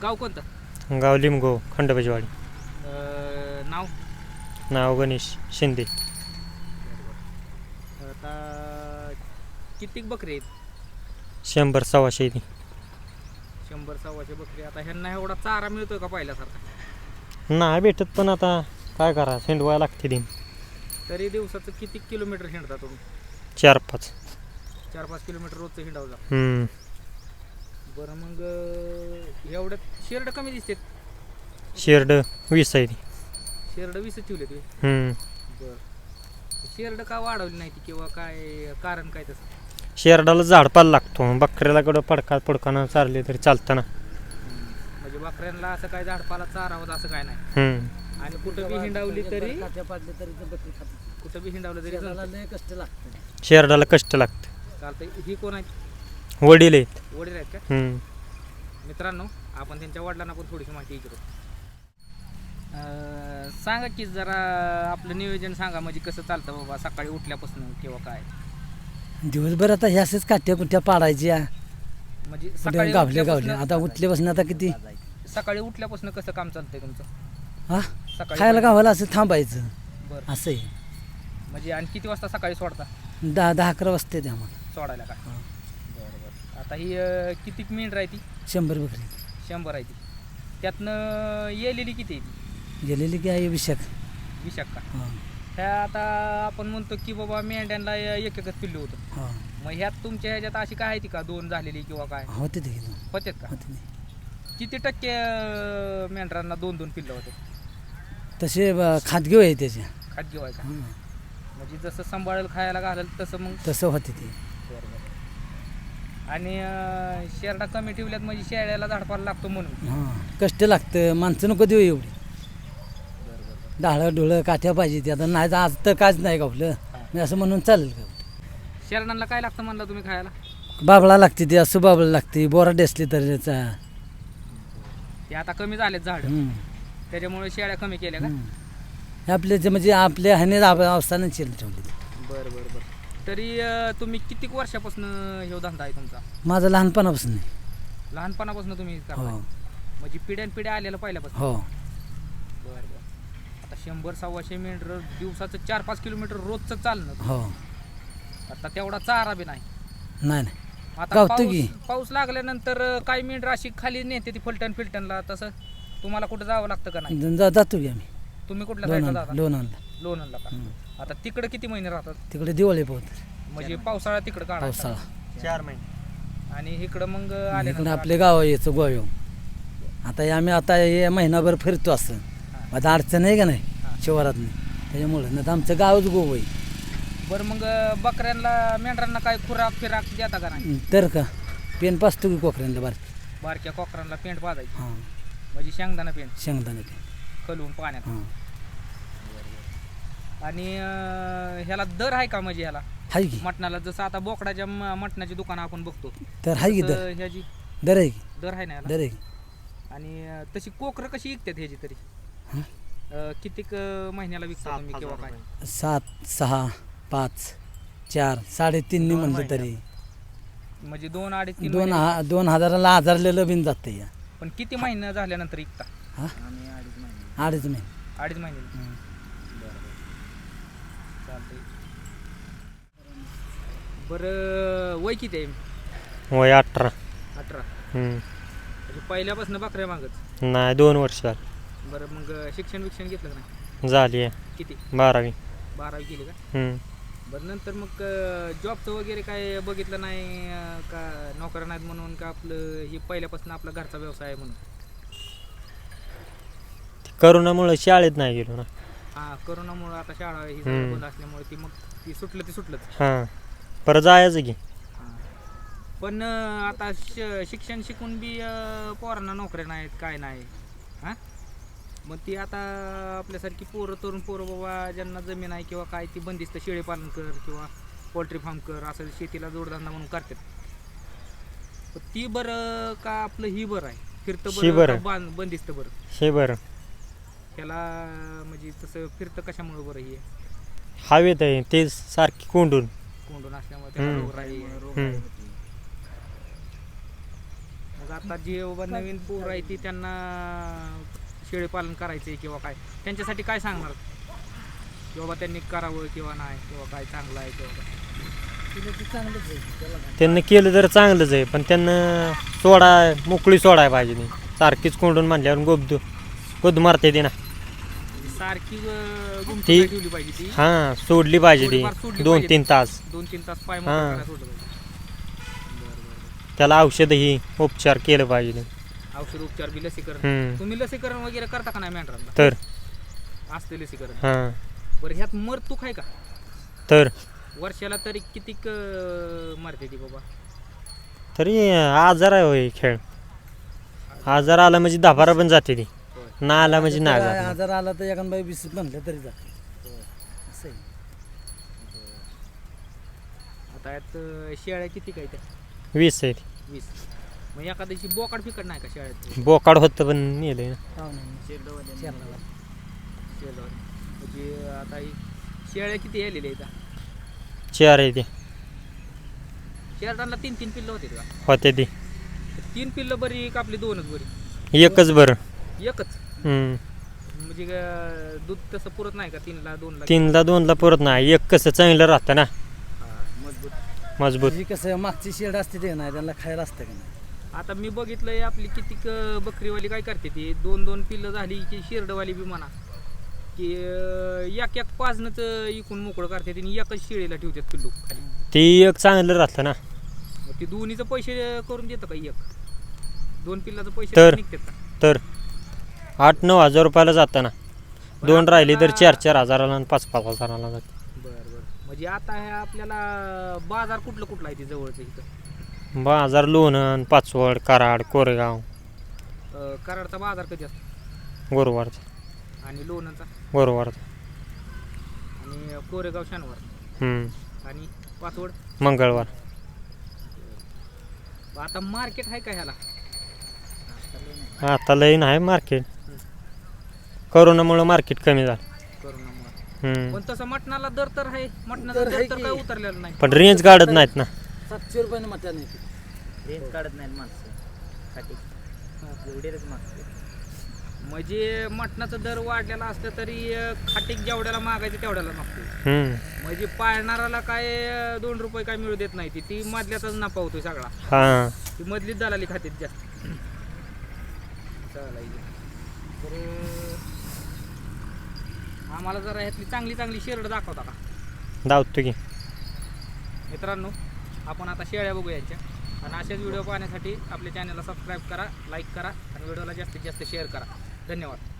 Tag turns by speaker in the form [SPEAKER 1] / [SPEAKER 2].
[SPEAKER 1] गाव कोणतं?
[SPEAKER 2] गाव लिमगाव खंडोबाचीवाडी.
[SPEAKER 1] नाव?
[SPEAKER 2] नाव गणेश शिंदे.
[SPEAKER 1] आता किती बकरी आहेत?
[SPEAKER 2] 100 100 ती.
[SPEAKER 1] 100 100 बकरी. आता ह्यांना एवढा चारा मिळतोय का पहिल्यासारखा?
[SPEAKER 2] नाही भेटत, पण आता काय करा, हिंडवायला लागते दिन.
[SPEAKER 1] तरी दिवसाचं किती किलोमीटर हिंडता तुम्ही?
[SPEAKER 2] 4-5.
[SPEAKER 1] 4-5 किलोमीटर रोजचं हिंडावं.
[SPEAKER 2] हम्म.
[SPEAKER 1] बरं, मग एवढ्यात शेरड कमी दिसते.
[SPEAKER 2] शेरड 20 आहे ती.
[SPEAKER 1] शेरड 20 ठेवले तुम्ही? बरं. शेरड का वाढवली नाही ती, किंवा काय कारण काय तसं?
[SPEAKER 2] शेरडाला झाडपाला लागतो, बकऱ्याला कडं पडकानं चारले तरी चालतं ना.
[SPEAKER 1] म्हणजे बकऱ्यांना असं काय झाडपाला चारावत असं काय नाही. आणि कुठं बी हिंडावली तरी, कुठं बी हिंडावलं तरी
[SPEAKER 3] कष्ट लागतं.
[SPEAKER 2] शेरडाला कष्ट लागतं.
[SPEAKER 1] चालतंय. ही कोण आहेत?
[SPEAKER 2] वडील आहेत.
[SPEAKER 1] वडील आहेत का? मित्रांनो, आपण त्यांच्या वडिलांना पण थोडीशी माहिती विचारू. सांगा की जरा आपलं नियोजन सांगा, म्हणजे कसं चालतं बाबा सकाळी उठल्यापासून किंवा काय?
[SPEAKER 3] दिवसभर आता हे असेच काट्या कुट्या पाडायच्या,
[SPEAKER 1] म्हणजे
[SPEAKER 3] कुठे गावले आता उठल्यापासून आता किती
[SPEAKER 1] सकाळी उठल्यापासून कसं काम चालतंय तुमचं?
[SPEAKER 3] हा,
[SPEAKER 1] सकाळी
[SPEAKER 3] खायला गावाला असं थांबायचं.
[SPEAKER 1] बरं.
[SPEAKER 3] असं आहे.
[SPEAKER 1] म्हणजे आणि किती वाजता सकाळी सोडता?
[SPEAKER 3] 10-11 वाजता येते आम्हाला
[SPEAKER 1] सोडायला का?
[SPEAKER 3] हा.
[SPEAKER 1] बरं. आता ही किती मिनिट राहती?
[SPEAKER 3] 100 बकरी
[SPEAKER 1] 100 आहे ती. त्यातनं येलेली किती आहे ती?
[SPEAKER 3] गेलेली की आहे विशाख.
[SPEAKER 1] विशाख का?
[SPEAKER 3] हां
[SPEAKER 1] ह्या आता आपण म्हणतो की बाबा मेंढ्यांना एकच पिल्लू होतं.
[SPEAKER 3] हां
[SPEAKER 1] मग ह्यात तुमच्या ह्याच्यात अशी काय आहे ती का 2 झालेली किंवा काय
[SPEAKER 3] होते ते
[SPEAKER 1] होतात का?
[SPEAKER 3] होते.
[SPEAKER 1] किती टक्के मेंढरांना 2-2 पिल्लं होते?
[SPEAKER 3] तसे खादगीव आहे त्याचे.
[SPEAKER 1] खाद्य व्हायचा.
[SPEAKER 3] हां,
[SPEAKER 1] म्हणजे जसं सांभाळेल खायला घालेल तसं मग.
[SPEAKER 3] तसं होते ते.
[SPEAKER 1] आणि शेरडा कमी ठेवल्यात म्हणजे शेळ्याला झाडपाला लागतो म्हणून.
[SPEAKER 3] हां, कष्ट लागतं. माणसं नको देऊ एवढी. डाळं डोळं काठ्या पाहिजे ते. आता नाही आज तर काहीच नाही गावलं मी असं म्हणून चालेल का?
[SPEAKER 1] शेरडांना काय लागतं म्हणलं तुम्ही खायला?
[SPEAKER 3] बाबळा लागते ते, असं बाबळा लागते, बोरा डेसली तर त्याचा.
[SPEAKER 1] ते आता कमी झालेत झाड, त्याच्यामुळे शेळ्या कमी केल्या का?
[SPEAKER 3] आपले जे म्हणजे आपल्या ह्याने अवस्थानं ठेवली.
[SPEAKER 1] बरं. तरी तुम्ही किती वर्षापासून हे धंदा आहे तुमचा?
[SPEAKER 3] माझं लहानपणापासून नाही.
[SPEAKER 1] लहानपणापासून तुम्ही करताय?
[SPEAKER 3] हो
[SPEAKER 1] म्हणजे पिढ्यानपिढ्या आलेलं पहिल्यापासून?
[SPEAKER 3] हो.
[SPEAKER 1] बरं. आता 100 100 मेंढर दिवसाचं 4-5 किलोमीटर रोजचं चालणं.
[SPEAKER 3] हो.
[SPEAKER 1] आता तेवढा चारा बी नाही.
[SPEAKER 3] नाही
[SPEAKER 1] आता
[SPEAKER 3] गावतो की.
[SPEAKER 1] पाऊस लागल्यानंतर काही मेंढर अशी खाली नेते ती फलटणला. तसं तुम्हाला कुठं जावं लागतं का नाही?
[SPEAKER 3] जातो की आम्ही.
[SPEAKER 1] तुम्ही कुठल्या साईडला जाता?
[SPEAKER 3] लोणंदला
[SPEAKER 1] का? आता तिकडे किती महिने राहतात?
[SPEAKER 3] तिकडे दिवाळी पोहत.
[SPEAKER 1] म्हणजे पावसाळा तिकडे काढायचा?
[SPEAKER 3] पावसाळा
[SPEAKER 2] 4 महिने.
[SPEAKER 1] आणि इकडं मग
[SPEAKER 3] इकडे आपले गाव यायचं गोव्या. आता आम्ही आता हे महिनाभर फिरतो असं. आता अडचण आहे का नाही शिवारात नाही, त्याच्यामुळं नाही तर आमचं गावच गोव आहे.
[SPEAKER 1] बरं, मग बकऱ्यांना मेंढरांना काय खुराक देता का नाही?
[SPEAKER 3] तर का पेन पाचतो की कोकऱ्यांना
[SPEAKER 1] बारक्या कोकरांना पेंट पाजायची.
[SPEAKER 3] हां,
[SPEAKER 1] म्हणजे शेंगदाणा पेंट
[SPEAKER 3] शेंगदाणे पेन.
[SPEAKER 1] खलवून पाण्यात.
[SPEAKER 3] हां,
[SPEAKER 1] आणि ह्याला दर आहे का? म्हणजे ह्याला
[SPEAKER 3] हाय की.
[SPEAKER 1] मटणाला जसं आता बोकडाच्या मटणाची दुकानं आपण बघतो
[SPEAKER 3] तर हाय की.
[SPEAKER 1] तसं ह्याची
[SPEAKER 3] दर आहे की.
[SPEAKER 1] दर आहे ना ह्याला?
[SPEAKER 3] दर आहे की.
[SPEAKER 1] आणि तशी कोकरं कशी विकतात ह्याची तरी?
[SPEAKER 3] हं?
[SPEAKER 1] कितीक महिन्याला विकता तुम्ही किंवा काय?
[SPEAKER 3] 7, 6, 5, 4, 3.5 म्हणलं तरी
[SPEAKER 1] म्हणजे 2-2.5-3
[SPEAKER 3] 2,000ला आजारलेलं बिन जातं या.
[SPEAKER 1] पण किती महिने झाल्यानंतर विकता?
[SPEAKER 3] हां, 2.5 महिने.
[SPEAKER 1] 2.5 महिने. चालतंय. बरं, वय किती आहे?
[SPEAKER 2] वय 18.
[SPEAKER 1] 18.
[SPEAKER 2] हम्म.
[SPEAKER 1] म्हणजे पहिल्यापासून बकऱ्या मागत?
[SPEAKER 2] नाही, 2 वर्ष झाली.
[SPEAKER 1] बरं, मग शिक्षण घेतलं का नाही?
[SPEAKER 2] झाली आहे.
[SPEAKER 1] किती?
[SPEAKER 2] 12वी.
[SPEAKER 1] 12वी केली का? बरं, नंतर मग जॉबचं वगैरे काय बघितलं नाही का? नोकऱ्या नाहीत म्हणून का? आपलं हे पहिल्यापासून आपला घरचा व्यवसाय आहे म्हणून?
[SPEAKER 2] करोनामुळे शाळेत नाही गेलो ना.
[SPEAKER 1] हां, करोनामुळं आता शाळा ही सगळं बंद असल्यामुळे ती मग ती सुटलंच.
[SPEAKER 2] हां, परत जायचं की.
[SPEAKER 1] हां, पण आता शिक्षण शिकून बी पोरांना नोकऱ्या नाहीत, काय नाही. हां, मग ती आता आपल्यासारखी तरुण पोरं बाबा ज्यांना जमीन आहे किंवा काय, ती बंदिस्त शेळी पालन कर किंवा पोल्ट्री फार्म कर असं शेतीला जोडधंदा म्हणून करतात. पण ती बरं का आपलं ही बरं आहे? फिरतं बरं का बंदिस्त बरं?
[SPEAKER 2] हे बरं.
[SPEAKER 1] त्याला म्हणजे तसं फिरतं कशामुळे बरं? हे
[SPEAKER 2] हवेत आहे ते सारखी कोंडून
[SPEAKER 1] असल्यामुळे त्याला रोग राही. मग मग आता जे बाबा नवीन पोर आहे ती त्यांना शेळीपालन करायचंय किंवा काय त्यांच्यासाठी काय सांगणार की बाबा त्यांनी करावं किंवा नाही किंवा काय चांगलं आहे किंवा काय?
[SPEAKER 3] तिला ते चांगलंच आहे त्याला काय.
[SPEAKER 2] त्यांना केलं तर चांगलंच आहे, पण त्यांना मोकळी सोडाय पाहिजे नाही. सारखीच कोंडून म्हणल्यावर गोद मारते ती ना.
[SPEAKER 1] सारखी गुंतून
[SPEAKER 2] ती-
[SPEAKER 1] ठेवली पाहिजे ती
[SPEAKER 2] हां सोडली पाहिजे
[SPEAKER 1] थोडीफार सोडली
[SPEAKER 2] ती
[SPEAKER 1] पाहिजे.
[SPEAKER 2] 2-3 तास.
[SPEAKER 1] 2-3 तास पाय
[SPEAKER 2] हां.
[SPEAKER 1] मोकळं सोडलं पाहिजे. बरं.
[SPEAKER 2] त्याला औषधही उपचार केलं पाहिजे.
[SPEAKER 1] औषध उपचार बी लसीकरण
[SPEAKER 2] हम्म.
[SPEAKER 1] तुम्ही लसीकरण वगैरे करता का नाही मेंढरांना?
[SPEAKER 2] तर
[SPEAKER 1] असते लसीकरण.
[SPEAKER 2] हां
[SPEAKER 1] बरं ह्यात मरतूक आहे का
[SPEAKER 2] तर
[SPEAKER 1] वर्षाला तरी किती मरते ती बाबा?
[SPEAKER 2] तरी आजार आहे होय खेळ. आजार आला म्हणजे 10-12 पण जाते ती,
[SPEAKER 1] होय.
[SPEAKER 2] ना आला म्हणजे नाही
[SPEAKER 3] काय
[SPEAKER 2] जात.
[SPEAKER 3] आजार आला तर एखाद बाई 20 म्हणलं तरी जाते असं आहे.
[SPEAKER 1] आता यात शेळ्या किती काय त्या?
[SPEAKER 2] 20 आहे ती.
[SPEAKER 1] 20. मग एखाद्याची बोकाड फिकड नाही का शेळ्यात?
[SPEAKER 2] बोकाड होतं पण नेलंय ना.
[SPEAKER 3] पाहुण्यांनी.
[SPEAKER 1] शेरडवाले.
[SPEAKER 3] शेरडावाले.
[SPEAKER 1] शेरडवाले. म्हणजे आता ही शेळ्या किती यायलेल्या आहेत?
[SPEAKER 2] 4 आहे ती.
[SPEAKER 1] शेरडांना 3-3 पिल्लं होते का?
[SPEAKER 2] होते ती.
[SPEAKER 1] 3 पिल्लं बरी का आपली 2च बरी?
[SPEAKER 2] एकच बरं.
[SPEAKER 1] एकच.
[SPEAKER 2] हम्म.
[SPEAKER 1] म्हणजे दूध तसं पुरत नाही का 3ला 2ला?
[SPEAKER 2] 3ला 2ला पुरत नाही. एक कसं चांगलं राहतं ना, मजबूत.
[SPEAKER 3] जी कसं मागची शेड असते ते नाही त्यांना खायला असतं का नाही.
[SPEAKER 1] आता मी बघितलंय आपली किती बकरीवाली काय करते ती 2-2 पिल्लं झाली की शेरडवाली बी म्हणा की एक पाजनंच इकून मोकळं करते आणि एकच शेळीला ठेवतात पिल्लू खाली.
[SPEAKER 2] ती एक चांगलं राहतं ना.
[SPEAKER 1] मग ती दोन्हीचं पैसे करून देतं का? 2 पिल्लाचं पैसे
[SPEAKER 2] तर-
[SPEAKER 1] निघतात का?
[SPEAKER 2] तर 8-9 हजार रुपयाला जातं ना. 2 राहिली तर 4-4 हजाराला आणि 5-5 हजाराला जाते.
[SPEAKER 1] बरं. म्हणजे आता हे आपल्याला बाजार कुठलं आहे ते जवळचं इथं?
[SPEAKER 2] बाजार लोणंद, पाचवड, कराड, कोरेगाव,
[SPEAKER 1] कराडचा बाजार कधी असतो
[SPEAKER 2] गुरुवारचा.
[SPEAKER 1] आणि लोणंदचा
[SPEAKER 2] गुरुवारचा.
[SPEAKER 1] आणि कोरेगाव शनिवार आणि पाचवड
[SPEAKER 2] मंगळवार.
[SPEAKER 1] आता मार्केट आहे का ह्याला?
[SPEAKER 2] आता लई नाही मार्केट. कोरोनामुळं मार्केट कमी झालं.
[SPEAKER 1] करोनामुळे. पण तसं मटणाला दर तर आहे. मटणाचा
[SPEAKER 3] दर
[SPEAKER 1] दर
[SPEAKER 3] आहे
[SPEAKER 1] तर
[SPEAKER 3] की.
[SPEAKER 1] काय उतरलेला नाही.
[SPEAKER 2] पण रेंज काढत नाहीत ना.
[SPEAKER 3] 700 रुपयाने मटण येते.
[SPEAKER 4] रेंज काढत नाहीत माणसं खाटी एवढेच मागते.
[SPEAKER 1] म्हणजे मटणाचं दर वाढलेला असलं तरी खाटीक जेवढ्याला मागायचं तेवढ्याला मागतो.
[SPEAKER 2] हम्म.
[SPEAKER 1] म्हणजे पाळणाराला काय 2 रुपये काय मिळू देत नाही ती मधल्याचाच नफा होतोय सगळा.
[SPEAKER 2] हां
[SPEAKER 1] ती मधलीच दलाली खात्यात जास्त. चालायची. तर आम्हाला जरा ह्यातली चांगली शेरड दाखवता का
[SPEAKER 2] धावतो की.
[SPEAKER 1] मित्रांनो? आपण आता शेळ्या बघू यांच्या आणि असेच व्हिडिओ पाहण्यासाठी आपल्या चॅनलला सबस्क्राईब करा, लाईक करा आणि व्हिडिओला जास्तीत जास्त शेअर करा. धन्यवाद.